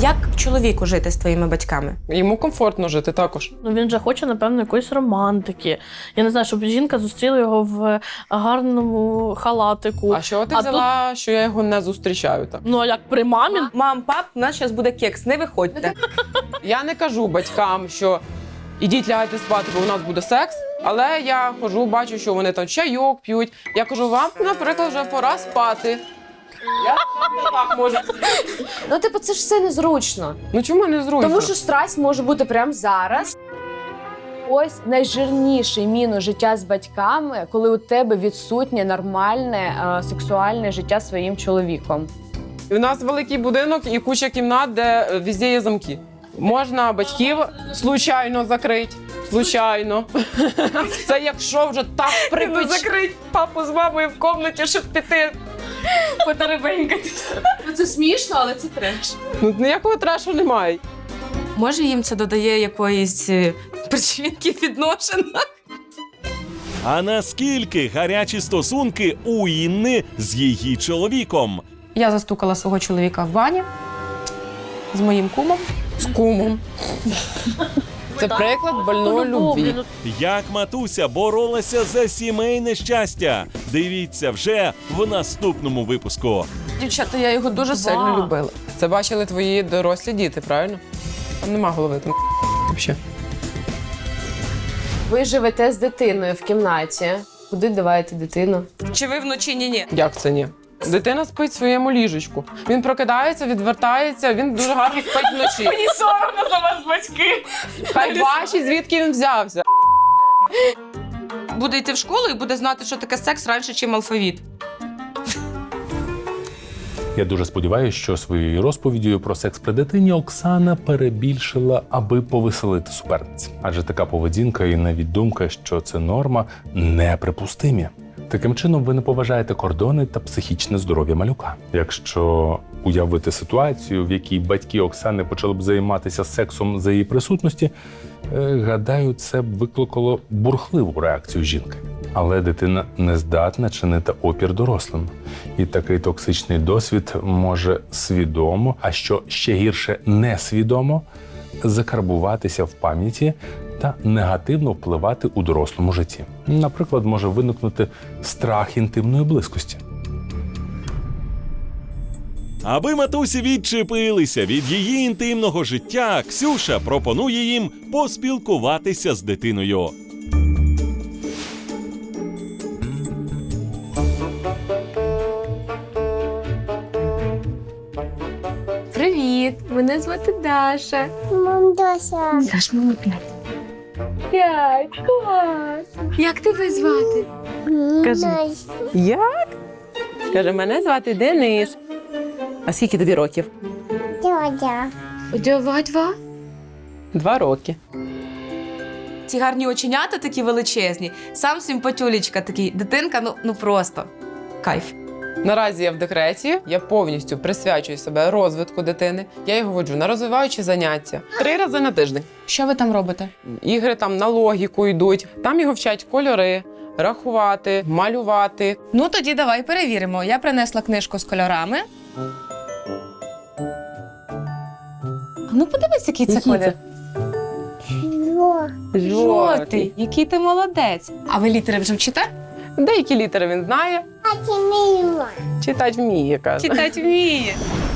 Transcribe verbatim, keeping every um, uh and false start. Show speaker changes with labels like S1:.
S1: Як чоловіку жити з твоїми батьками?
S2: Йому комфортно жити також.
S3: Ну, він же хоче, напевно, якоїсь романтики. Я не знаю, щоб жінка зустріла його в гарному халатику.
S2: А що ти
S3: А
S2: взяла, що я його не зустрічаю так?
S3: Ну, а як при мамі?
S1: Мам, пап, у нас зараз буде кекс, не виходьте.
S2: Я не кажу батькам, що ідіть лягайте спати, бо у нас буде секс. Але я хожу, бачу, що вони там чайок п'ють. Я кажу, вам, наприклад, вже пора спати. Я так можу.
S4: Ну, типу, це ж все незручно.
S2: Ну чому не зручно?
S4: Тому що страсть може бути прямо зараз. Ось найжирніший мінус життя з батьками, коли у тебе відсутнє нормальне е, сексуальне життя зі своїм чоловіком.
S2: У нас великий будинок і куча кімнат, де е, везде є замки. Можна батьків случайно закрити. Случайно. Це якщо вже так припеч...
S1: Закрить папу з мамою в кімнаті, щоб піти потеребенькатися.
S4: Ну, це смішно, але це треш.
S2: Ну, ніякого трешу немає.
S1: Може, їм це додає якоїсь е, причинки відношень?
S5: А наскільки гарячі стосунки у Інни з її чоловіком?
S1: Я застукала свого чоловіка в бані з моїм кумом.
S2: З кумом. Це приклад больної любві.
S5: Як матуся боролася за сімейне щастя? Дивіться вже в наступному випуску.
S1: Дівчата, я його дуже сильно любила.
S2: Це бачили твої дорослі діти, правильно? Там нема голови, там взагалі.
S4: Ви живете з дитиною в кімнаті. Куди давайте дитину?
S1: Чи ви вночі ні-ні?
S2: Як це ні? Дитина спить в своєму ліжечку. Він прокидається, відвертається, він дуже гарно спить вночі.
S1: Мені соромно за вас, батьки.
S2: Хай бачить, звідки він взявся.
S1: Буде йти в школу і буде знати, що таке секс раніше, ніж алфавіт.
S6: Я дуже сподіваюся, що своєю розповіддю про секс при дитині Оксана перебільшила, аби повеселити суперниць. Адже така поведінка і навіть думка, що це норма, неприпустимі. Таким чином, ви не поважаєте кордони та психічне здоров'я малюка. Якщо уявити ситуацію, в якій батьки Оксани почали б займатися сексом за її присутності, е, гадаю, це б викликало бурхливу реакцію жінки. Але дитина не здатна чинити опір дорослим. І такий токсичний досвід може свідомо, а що ще гірше несвідомо, закарбуватися в пам'яті та негативно впливати у дорослому житті. Наприклад, може виникнути страх інтимної близькості.
S5: Аби матусі відчепилися від її інтимного життя, Ксюша пропонує їм поспілкуватися з дитиною.
S4: Привіт! Мене звати Даша.
S7: Мам, Даша.
S4: Даш, мамі п'ять. П'ять. Клас! Як тебе звати?
S7: Кажи.
S2: Як? Каже, мене звати Денис. А скільки тобі років?
S7: Дядя.
S4: Два-два.
S2: Два роки.
S1: Ці гарні оченята такі величезні. Сам симпатюлечка такий. Дитинка, ну, ну просто кайф.
S2: Наразі я в декреті, я повністю присвячую себе розвитку дитини. Я його воджу на розвиваючі заняття. Три рази на тиждень.
S1: Що ви там робите?
S2: Ігри там на логіку йдуть. Там його вчать кольори, рахувати, малювати.
S1: Ну, тоді давай перевіримо. Я принесла книжку з кольорами. Ну, подивись, який це
S2: Який
S1: колір.
S7: Жо.
S1: Жовтий. Який ти молодець. А ви літери вже вчите?
S2: Деякі літери він знає,
S7: А ти не їла.
S2: читати вміє, каже.
S1: Читати вміє.